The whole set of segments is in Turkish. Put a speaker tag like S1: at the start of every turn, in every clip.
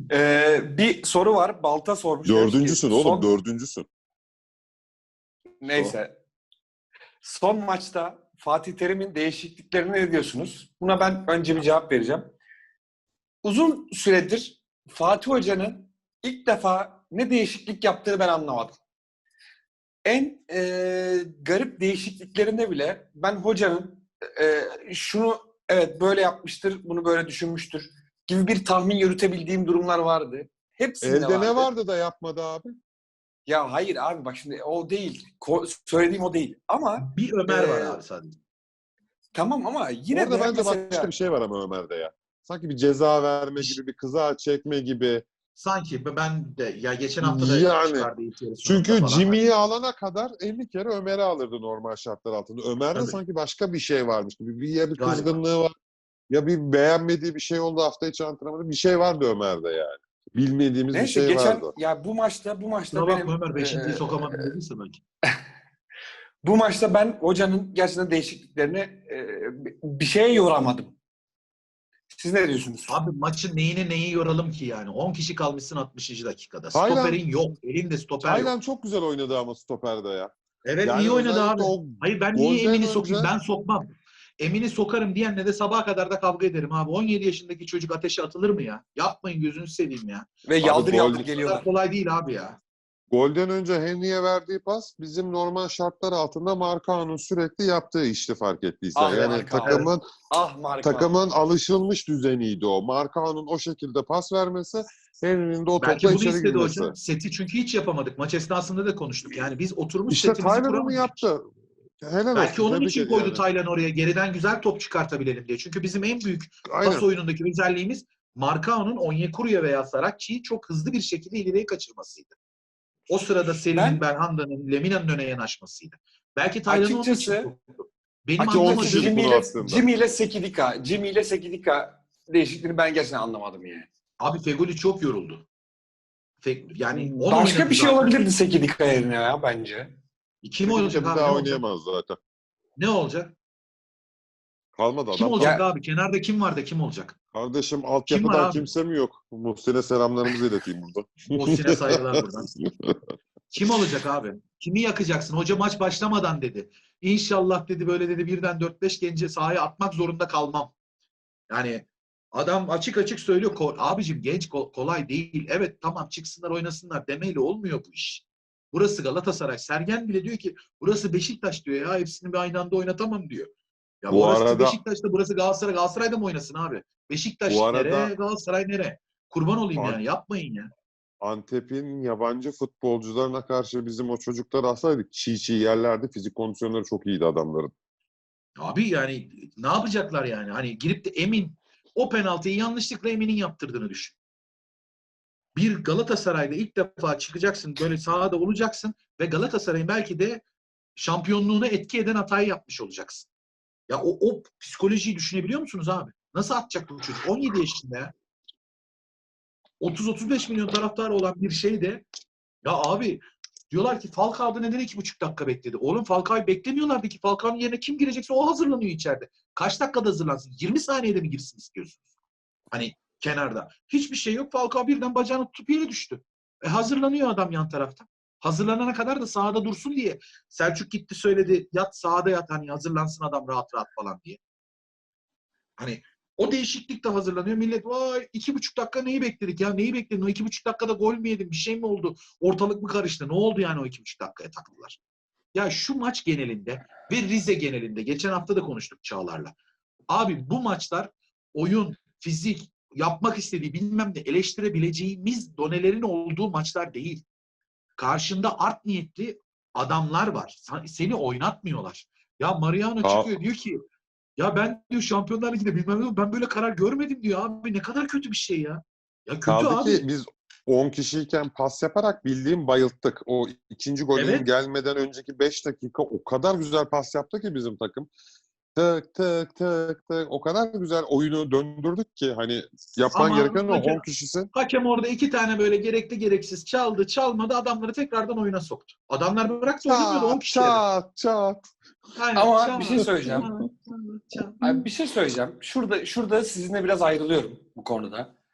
S1: Bir soru var. Balta sormuş. Demiş ki,
S2: Dördüncüsün oğlum, dördüncüsün.
S1: Neyse. Son maçta Fatih Terim'in değişikliklerine ne diyorsunuz? Buna ben önce bir cevap vereceğim. Uzun süredir Fatih Hoca'nın ilk defa ne değişiklik yaptığını ben anlamadım. En garip değişikliklerinde bile ben hocanın şunu evet böyle yapmıştır, bunu böyle düşünmüştür gibi bir tahmin yürütebildiğim durumlar vardı. Hepsinde
S2: Elde
S1: vardı.
S2: ne vardı da yapmadı abi?
S1: Ya hayır abi bak şimdi o değil. Söylediğim o değil. Ama
S3: Bir Ömer var abi sadece.
S1: tamam ama yine
S2: Orada
S1: de
S2: bence
S1: mesela
S2: başka bir şey var ama Ömer'de ya. Sanki bir ceza verme gibi, bir kıza çekme gibi.
S3: Sanki ben de ya geçen hafta da
S2: Yani
S3: çıkardı ilk yarı sonunda
S2: çünkü
S3: falan.
S2: Jimmy'yi alana kadar 50 kere Ömer'i alırdı normal şartlar altında. Ömer'de
S3: Tabii.
S2: sanki başka bir şey varmış gibi. Ya bir
S3: Galiba.
S2: kızgınlığı var, ya bir beğenmediği bir şey oldu hafta içi antrenmanda. Bir şey vardı Ömer'de yani. Bilmediğimiz bir
S1: neyse
S2: şey
S1: geçen
S2: vardı.
S1: ya bu maçta
S3: Kusura bakma
S1: benim
S3: Ömer, beşinciyi sokamadım dediyse belki.
S1: bu maçta ben hocanın gerçekten değişikliklerini bir şeye yoramadım. Siz ne diyorsunuz?
S3: Abi maçın neyi yoralım ki yani? 10 kişi kalmışsın 60. dakikada.
S2: Taylan-
S3: Stoperin yok. Elinde stoper yok.
S2: Taylan çok güzel oynadı ama stoperde ya.
S3: Evet
S2: Yani
S3: iyi oynadı
S2: özellikle
S3: abi.
S2: o
S3: Hayır ben niye
S2: golden
S3: Emin'i
S2: önce-
S3: sokayım? Ben sokmam. Emin'i sokarım diyenle de sabaha kadar da kavga ederim abi. 17 yaşındaki çocuk ateşe atılır mı ya? Yapmayın gözünü seveyim ya.
S1: Ve yaldır
S2: gol-
S1: yaldır
S3: Bu kadar
S1: geliyorlar.
S3: kolay değil abi ya.
S2: Golden önce Henry'e verdiği pas bizim normal şartlar altında Marcao'nun sürekli yaptığı işti fark ettiysen.
S1: Ah
S2: Yani
S1: Marcao.
S2: takımın takımın alışılmış düzeniydi o. Marcao'nun o şekilde pas vermesi, Henry'nin de o
S3: Belki
S2: topla
S3: bunu
S2: içeri
S3: istedi
S2: girmesi.
S3: hocam. Seti çünkü hiç yapamadık. Maç esnasında da konuştuk. Yani biz oturmuş
S2: İşte
S3: setimizi
S2: Taylan onu
S3: kuramadık.
S2: yaptı. Helal
S3: Belki
S2: olsun.
S3: onun
S2: Tebrik
S3: için
S2: ediyorum
S3: koydu
S2: yani.
S3: Taylan oraya. Geriden güzel top çıkartabilelim diye. Çünkü bizim en büyük pas
S2: Aynen.
S3: oyunundaki özelliğimiz Marcao'nun Onyekuru'ya veya Saracchi'yi çok hızlı bir şekilde ileriye kaçırmasıydı. O sırada Seri'nin, Belhanda'nın, Lemina'nın öne yanaşmasıydı. Belki Taylan'ı onun için
S1: Açıkçası
S3: soktu. Benim
S2: Açıkçası
S3: anlamadığım
S2: biz bunu aslında.
S1: Jimmy ile Sekidika değişikliğini ben gerçekten anlamadım yani.
S3: abi Fegoli çok yoruldu. Yani onu
S1: Başka
S3: oynadı
S1: bir şey
S3: zaten.
S1: olabilirdi Sekidika yerine ya bence.
S3: Kim olacak
S2: bir
S3: abi?
S2: daha
S3: Ne olacak?
S2: oynayamaz zaten.
S3: Ne olacak?
S2: Kalmadı
S3: Kim
S2: adam.
S3: olacak
S1: Ya-
S3: abi? Kenarda kim var da kim olacak?
S2: Kardeşim
S3: Kim var
S2: altyapıdan
S3: abi?
S2: kimse mi yok? Muhsin'e selamlarımızı ileteyim burada.
S3: Muhsin'e saygılar buradan. Kim olacak abi? Kimi yakacaksın? Hoca maç başlamadan dedi. İnşallah dedi böyle dedi birden 4-5 genci sahaya atmak zorunda kalmam. Yani adam açık açık söylüyor. Abicim genç kolay değil. Evet tamam çıksınlar oynasınlar demeyle olmuyor bu iş. Burası Galatasaray. Sergen bile diyor ki burası Beşiktaş diyor ya. Hepsini bir aynı anda oynatamam diyor. Ya
S2: Bu
S3: orası
S2: arada-
S3: Beşiktaş'ta burası Galatasaray. Galatasaray'da mı oynasın abi? Beşiktaş
S2: Bu arada-
S3: nere? Galatasaray nere? Kurban olayım
S2: An-
S3: yani. Yapmayın ya.
S2: Antep'in yabancı futbolcularına karşı bizim o çocukları alsaydık çiğ yerlerdi. Fizik kondisyonları çok iyiydi adamların.
S3: Abi yani ne yapacaklar yani? Hani girip de Emin o penaltıyı yanlışlıkla Emin'in yaptırdığını düşün. Bir Galatasaray'da ilk defa çıkacaksın, böyle sahada olacaksın ve Galatasaray'ın belki de şampiyonluğuna etki eden hatayı yapmış olacaksın. Ya o psikolojiyi düşünebiliyor musunuz abi? Nasıl atacak bu çocuk? 17 yaşında ya. 30-35 milyon taraftarı olan bir şey de ya abi diyorlar ki Falcao'da neden 2,5 dakika bekledi? Oğlum Falcao'yu beklemiyorlardı ki. Falcao'nun yerine kim girecekse o hazırlanıyor içeride. Kaç dakikada hazırlansın? 20 saniyede mi girsin istiyorsunuz? Hani kenarda. Hiçbir şey yok. Falcao birden bacağını tutup yere düştü. Hazırlanıyor adam yan tarafta. Hazırlanana kadar da sahada dursun diye. Selçuk gitti söyledi. Yat sahada yat hani hazırlansın adam rahat rahat falan diye. Hani o değişiklik de hazırlanıyor. Millet vay 2,5 dakika neyi bekledik ya? Neyi bekledin? O 2,5 dakikada gol mü yedin? Bir şey mi oldu? Ortalık mı karıştı? Ne oldu yani o 2,5 dakikaya taktılar? Ya şu maç genelinde ve Rize genelinde geçen hafta da konuştuk Çağlar'la. Abi bu maçlar oyun, fizik, yapmak istediği bilmem ne eleştirebileceğimiz donelerin olduğu maçlar değil. Karşında art niyetli adamlar var. Seni oynatmıyorlar. Ya Mariano çıkıyor diyor ki ya ben diyor Şampiyonlar Ligi'nde bilmem ne ben böyle karar görmedim diyor abi. Ne kadar kötü bir şey ya. Ya kötü
S2: Kaldı
S3: abi.
S2: ki biz 10 kişiyken pas yaparak bildiğim bayılttık. O ikinci golün
S3: Evet.
S2: gelmeden önceki 5 dakika o kadar güzel pas yaptı ki bizim takım. Tık tık tık tık. O kadar güzel oyunu döndürdük ki hani yapman
S3: Ama
S2: gereken o 10 kişisin.
S3: hakem orada 2 tane böyle gerekli gereksiz çaldı, çalmadı adamları tekrardan oyuna soktu. Adamlar bıraktı oynamıyordu 10
S2: Çat
S3: kişiye.
S2: çat.
S3: Aynen.
S1: Ama bir şey söyleyeceğim.
S3: Çat.
S1: Abi bir şey söyleyeceğim. Şurada sizinle biraz ayrılıyorum bu konuda.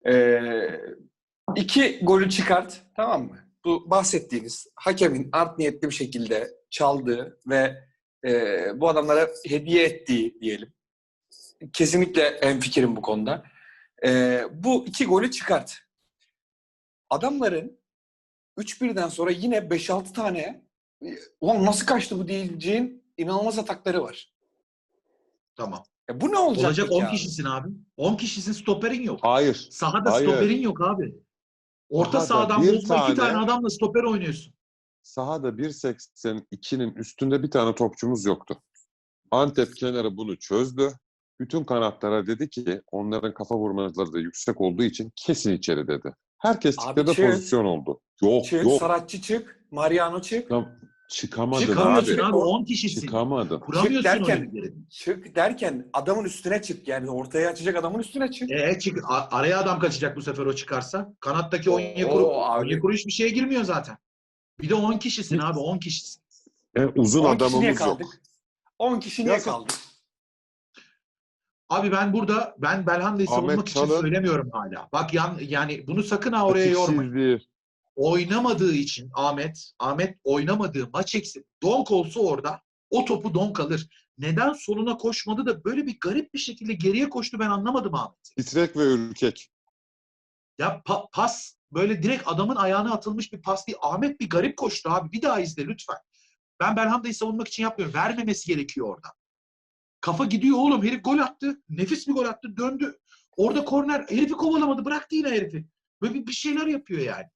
S1: 2 golü çıkart, tamam mı? Bu bahsettiğiniz hakemin art niyetli bir şekilde çaldığı ve bu adamlara hediye ettiği diyelim. Kesinlikle hemfikirim bu konuda. Bu 2 golü çıkart. Adamların 3-1'den sonra yine 5-6 tane ulan nasıl kaçtı bu diyeceğin inanılmaz atakları var.
S3: Tamam.
S1: Bu ne olacak
S3: Olacak
S1: peki
S3: 10
S1: abi?
S3: kişisin abi. 10 kişisin, stoperin yok.
S2: Hayır.
S3: Sahada
S2: Hayır.
S3: stoperin yok abi. Orta
S2: Sahada
S3: sahadan
S2: bir
S3: bozma 2 tane
S2: tane-
S3: adamla stoper oynuyorsun.
S2: Sahada 1.82'nin üstünde bir tane topçumuz yoktu. Antep kenarı bunu çözdü. Bütün kanatlara dedi ki onların kafa vurmaları da yüksek olduğu için kesin içeri dedi. Herkes
S1: Abi
S2: çıktı da
S1: çık.
S2: pozisyon oldu. Yok
S1: Çık,
S2: yok.
S1: Saratçı çık, Mariano çık.
S2: Çıkamadın
S3: Çıkamıyorsun
S2: abi.
S3: abi 10 kişisin.
S2: Çıkamadın.
S3: Kuramıyorsun
S1: derken-
S3: oyuncuları.
S1: Çık derken adamın üstüne çık. Yani ortaya açacak adamın üstüne çık.
S3: Araya adam kaçacak bu sefer o çıkarsa. Kanattaki
S1: Oo,
S3: Onyekuru,
S1: abi.
S3: Onyekuru hiçbir şeye girmiyor zaten. Bir de 10 kişisin abi 10 kişisin.
S2: Uzun
S1: 10 kişi niye
S2: adamımız yok.
S1: kaldık? 10 kişi niye
S2: Yazık.
S1: kaldık?
S3: Abi ben Belhanda'yı
S2: Ahmet
S3: savunmak için
S2: Çalın-
S3: söylemiyorum hala. Bak yani bunu sakın ha oraya yormayın.
S2: Eksiksizliği.
S3: Oynamadığı için Ahmet oynamadığı maç eksik. Donk olsa orada o topu Donk alır. Neden soluna koşmadı da böyle bir garip bir şekilde geriye koştu ben anlamadım Ahmet'i.
S2: Titrek ve ürkek.
S3: Ya pas böyle direkt adamın ayağına atılmış bir pas değil. Ahmet bir garip koştu abi. Bir daha izle lütfen. Ben Belhanda'yı savunmak için yapmıyorum. Vermemesi gerekiyor orada. Kafa gidiyor oğlum. Herif gol attı. Nefis bir gol attı. Döndü. Orada korner. Herifi kovalamadı. Bıraktı yine herifi. Böyle bir şeyler yapıyor yani.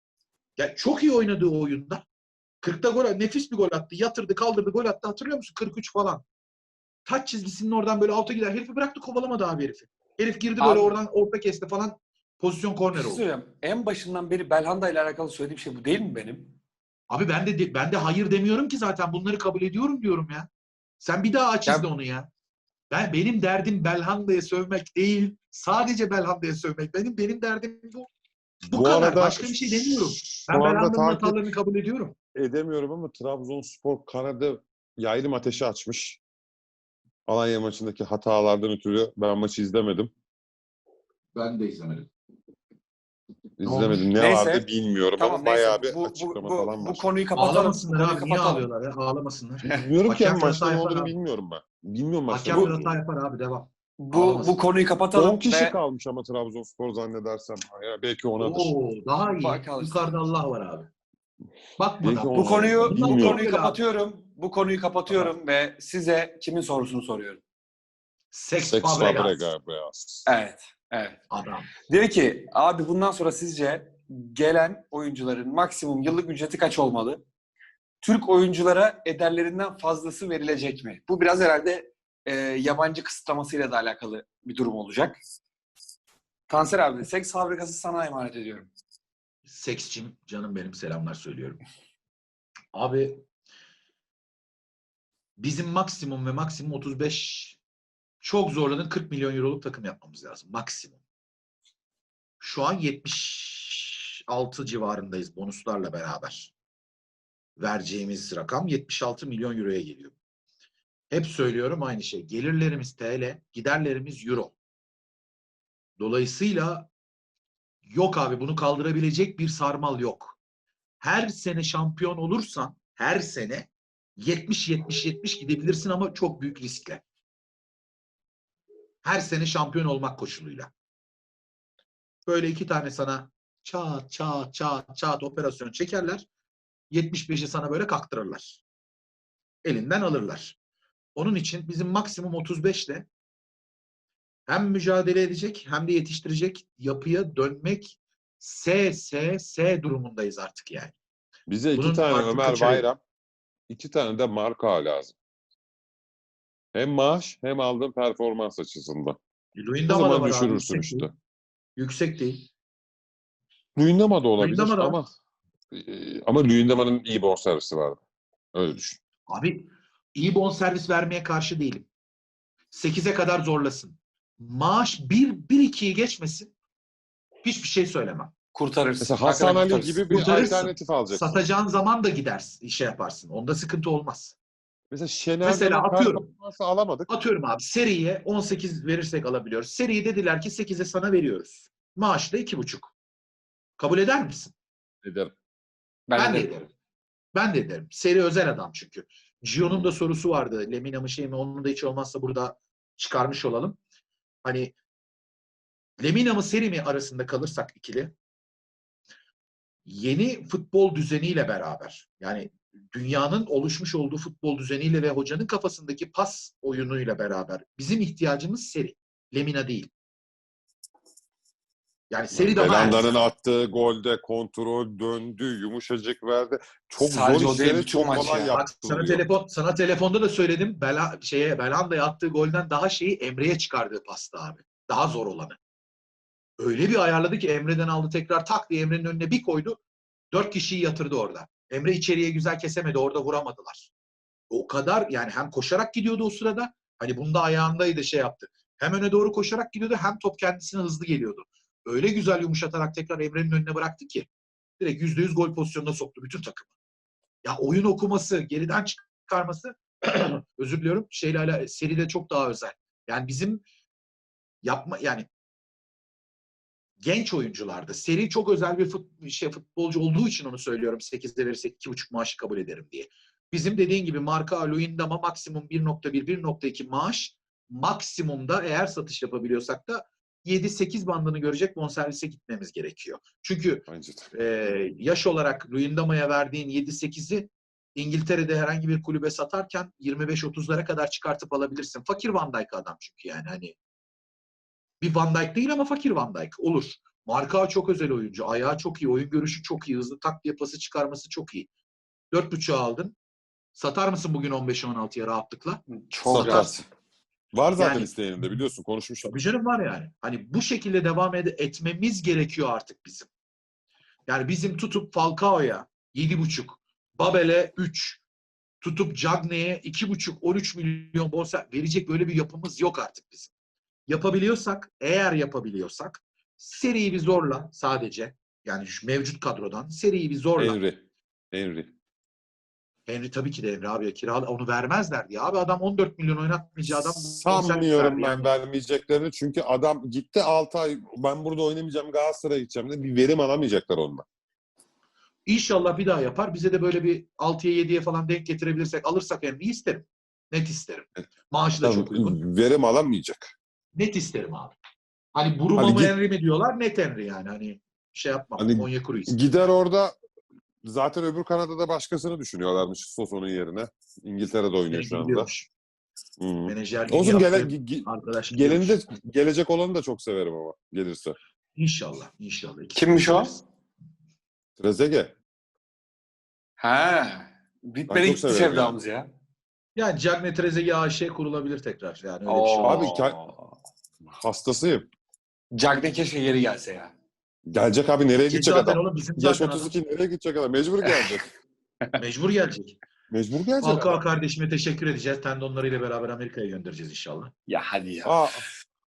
S3: Ya çok iyi oynadığı oyunda. 40'ta gol, nefis bir gol attı. Yatırdı, kaldırdı, gol attı. Hatırlıyor musun? 43 falan. Taç çizgisinin oradan böyle alta gider. Herifi bıraktı, kovalamadı abi herifi. Herif girdi böyle
S1: Abi-
S3: oradan orta kesti falan. Pozisyon
S1: Bir
S3: korner
S1: şey
S3: oldu.
S1: söyleyeyim. En başından beri Belhanda ile alakalı söylediğim şey bu değil mi benim?
S3: Abi ben de hayır demiyorum ki zaten. Bunları kabul ediyorum diyorum ya. Sen bir daha aç
S1: Ya-
S3: izle onu ya. Benim derdim Belhanda'ya sövmek değil. Sadece Belhanda'ya sövmek. Benim derdim bu. Bu kadar. Başka bir şey demiyorum.
S2: Şu
S3: Ben
S2: anda
S3: Belhanda'nın
S2: takip
S3: hatalarını kabul ediyorum.
S2: edemiyorum ama Trabzonspor Kanada yaylım ateşi açmış. Alanya maçındaki hatalardan ötürü ben maçı izlemedim.
S3: Ben de izlemedim.
S2: İzlemedim. Ne
S1: Neyse.
S2: vardı bilmiyorum
S1: Tamam
S2: ama bayağı
S1: neyse.
S2: bir açıklama falan
S1: Bu
S2: var.
S1: konuyu kapatalım. Bu
S3: Ağlamasınlar
S1: konuyu
S3: abi. Niye
S1: kapatalım.
S3: ağlıyorlar ya? Ağlamasınlar.
S2: Bilmiyorum ki
S3: Hakem
S2: maçta
S3: hata
S2: ne
S3: yapar
S2: olduğunu
S3: abi.
S2: bilmiyorum ben. Bilmiyorum maçta.
S3: Hakem
S2: Bu
S3: hata yapar abi. Devam.
S1: Bu
S3: Ağlamasın.
S1: konuyu kapatalım
S2: 10 kişi
S1: ve
S2: kalmış ama Trabzonspor zannedersem. Ya belki onadır.
S3: Oo, daha iyi.
S1: Bakalım.
S3: Yukarıda Allah var abi. Bakma
S2: Belki
S3: da.
S2: o-
S1: bu konuyu
S2: Bilmiyorum.
S1: bu konuyu kapatıyorum ve size kimin sorusunu soruyorum.
S3: Sex
S2: Sex
S3: Fabregas.
S2: Fabregas.
S1: Evet. Evet.
S3: Adam.
S1: Diyor ki abi bundan sonra sizce gelen oyuncuların maksimum yıllık ücreti kaç olmalı? Türk oyunculara ederlerinden fazlası verilecek mi? Bu biraz herhalde yabancı kısıtlamasıyla da alakalı bir durum olacak. Kanser abi, seks fabrikası sana emanet ediyorum.
S3: Seksçim canım benim selamlar söylüyorum. Abi bizim maksimum ve maksimum 35 çok zorladın 40 milyon euroluk takım yapmamız lazım. Maksimum. Şu an 76 civarındayız bonuslarla beraber. Vereceğimiz rakam 76 milyon euroya geliyor. Hep söylüyorum aynı şey. Gelirlerimiz TL, giderlerimiz euro. Dolayısıyla yok abi bunu kaldırabilecek bir sarmal yok. Her sene şampiyon olursan her sene 70-70-70 gidebilirsin ama çok büyük riskle. Her sene şampiyon olmak koşuluyla. Böyle 2 tane sana çat çat çat çat operasyon çekerler. 75'i sana böyle kaktırırlar. Elinden alırlar. Onun için bizim maksimum 35'le hem mücadele edecek hem de yetiştirecek yapıya dönmek S durumundayız artık yani.
S2: Bize 2
S3: Bunun
S2: tane
S3: artık
S2: Ömer
S3: kaçarı yok.
S2: Bayram, 2 tane de Marka lazım. Hem maaş hem aldığın performans açısından. O
S3: Luyendama da
S2: zaman
S3: var abi.
S2: düşürürsün
S3: Yüksek
S2: işte.
S3: değil. Yüksek değil.
S2: Luyendama da olabilir
S3: Luyendama da.
S2: ama Luyendama'nın iyi bonservisi vardı. Öyle düşün.
S3: Abi iyi bonservis vermeye karşı değilim. 8'e kadar zorlasın. Maaş 1-2'yi geçmesin. Hiçbir şey söylemem.
S1: Kurtarırsın.
S2: Mesela Hasan
S1: Hakikaten
S2: Ali
S1: kurtarırsın.
S2: gibi bir
S3: Kurtarırsın.
S2: alternatif alacaksın.
S3: Satacağın zaman da gidersin, şey yaparsın. Onda sıkıntı olmaz.
S2: Mesela Şener'den
S3: Mesela
S2: o
S3: atıyorum.
S2: performansı alamadık.
S3: Atıyorum abi seriye 18 verirsek alabiliyoruz. Seriyi dediler ki 8'e sana veriyoruz. Maaş da 2,5. Kabul eder misin?
S2: Ederim.
S3: Ben de ederim. Ben de ederim. Seri özel adam çünkü. Gio'nun da sorusu vardı. Lemina mı şey mi? Onun da hiç olmazsa burada çıkarmış olalım. Hani Lemina mı Seri mi arasında kalırsak ikili, yeni futbol düzeniyle beraber, yani dünyanın oluşmuş olduğu futbol düzeniyle ve hocanın kafasındaki pas oyunuyla beraber bizim ihtiyacımız Seri. Lemina değil. Yani Seri daha
S2: Belanda'nın
S3: erken.
S2: attığı golde kontrol döndü, yumuşacık verdi. Çok
S1: Sadece
S2: zor
S1: o değil,
S2: işleri
S1: bütün
S2: çok
S1: maç
S2: kolay
S1: ya.
S3: Bak
S2: yaptırılıyor.
S3: sana telefonda da söyledim. Belanda'ya attığı golden daha şeyi Emre'ye çıkardığı pasta abi. Daha zor olanı. Öyle bir ayarladı ki Emre'den aldı, tekrar tak diye Emre'nin önüne bir koydu. 4 kişiyi yatırdı orada. Emre içeriye güzel kesemedi. Orada vuramadılar. O kadar, yani hem koşarak gidiyordu o sırada. Hani bunda ayağındaydı, şey yaptı. Hem öne doğru koşarak gidiyordu, hem top kendisine hızlı geliyordu. Öyle güzel yumuşatarak tekrar Emre'nin önüne bıraktı ki direkt %100 gol pozisyonuna soktu bütün takımı. Ya oyun okuması, geriden çıkarması özür diliyorum, seride çok daha özel. Yani bizim yani genç oyuncularda seri çok özel bir futbolcu olduğu için onu söylüyorum. 8'de verirsek 2,5 maaşı kabul ederim diye. Bizim dediğin gibi Marka Luyendam'a maksimum 1,1, 1,2 maaş, maksimumda eğer satış yapabiliyorsak da 7-8 bandını görecek bonservise gitmemiz gerekiyor. Çünkü
S2: Bence de.
S3: yaş olarak Luyendam'a verdiğin 7-8'i İngiltere'de herhangi bir kulübe satarken 25-30'lara kadar çıkartıp alabilirsin. Fakir Van Dijk adam çünkü, yani hani bir Van Dijk değil ama fakir Van Dijk olur. Marka çok özel oyuncu. Ayağı çok iyi. Oyun görüşü çok iyi. Hızlı tak diye pası çıkarması çok iyi. 4,5'a aldın. Satar mısın bugün 15-16'ya rahatlıkla?
S1: Çok
S2: Satar.
S1: rahat.
S2: Var zaten
S3: Yani
S2: isteyeninde, biliyorsun, konuşmuştuk.
S3: tabii canım, var yani. Hani bu şekilde devam etmemiz gerekiyor artık bizim. Yani bizim tutup Falcao'ya 7,5, Babel'e 3, tutup Cagney'e 2,5, 13 milyon bonservis verecek böyle bir yapımız yok artık bizim. Eğer yapabiliyorsak seriyi bir zorla sadece. Yani şu mevcut kadrodan seriyi bir zorla.
S2: Henry.
S3: Henry tabii ki de Henry abi, onu vermezler diye. Abi adam 14 milyon oynatmayacağı adam bonservis
S2: Sanmıyorum
S3: verdi.
S2: ben
S3: Yani
S2: vermeyeceklerini. Çünkü adam gitti 6 ay, ben burada oynamayacağım, Galatasaray'a gideceğim de bir verim alamayacaklar ondan.
S3: İnşallah bir daha yapar. Bize de böyle bir 6'ya 7'ye falan denk getirebilirsek, alırsak Henry'yi isterim. Net isterim. Maaşı da çok uygun.
S2: Verim alamayacak.
S3: Net isterim abi. Hani Buruma
S2: Hani
S3: mı Henry mi diyorlar? Net Henry yani. Hani şey yapmam.
S2: hani
S3: Onyekuru isterim.
S2: gider orada, zaten öbür Kanada'da başkasını düşünüyorlarmış Sosso'nun yerine. İngiltere'de oynuyor
S3: Seninki
S2: şu anda.
S3: gidiyormuş.
S2: Hı.
S3: Menajerliğini
S2: Olsun,
S3: yaptı. Arkadaş gidiyormuş.
S2: gelecek olanı da çok severim ama gelirse.
S3: İnşallah. İnşallah.
S1: Kimmiş o?
S2: Trezeguet.
S1: Ha.
S2: Ben
S1: Bitmedi
S2: çok
S1: gitti
S2: severim
S1: sevdamız ya.
S3: Yani Cagney Trezeguet AŞ kurulabilir tekrar. Yani öyle bir şey
S2: Abi,
S3: olur.
S2: hastasıyım.
S1: Cagney keşke geri gelse ya.
S2: Gelecek abi, nereye gidecek
S3: Zaten
S2: adam?
S3: oğlum bizim
S2: Yaş
S3: zaten
S2: 32, nereye gidecek adam? Mecbur gelecek.
S3: mecbur gelecek.
S2: Mecbur gelecek
S3: Falcao
S2: adam.
S3: kardeşime teşekkür edeceğiz. Tendonlarıyla beraber Amerika'ya göndereceğiz inşallah.
S1: Ya hadi ya.
S2: Aa,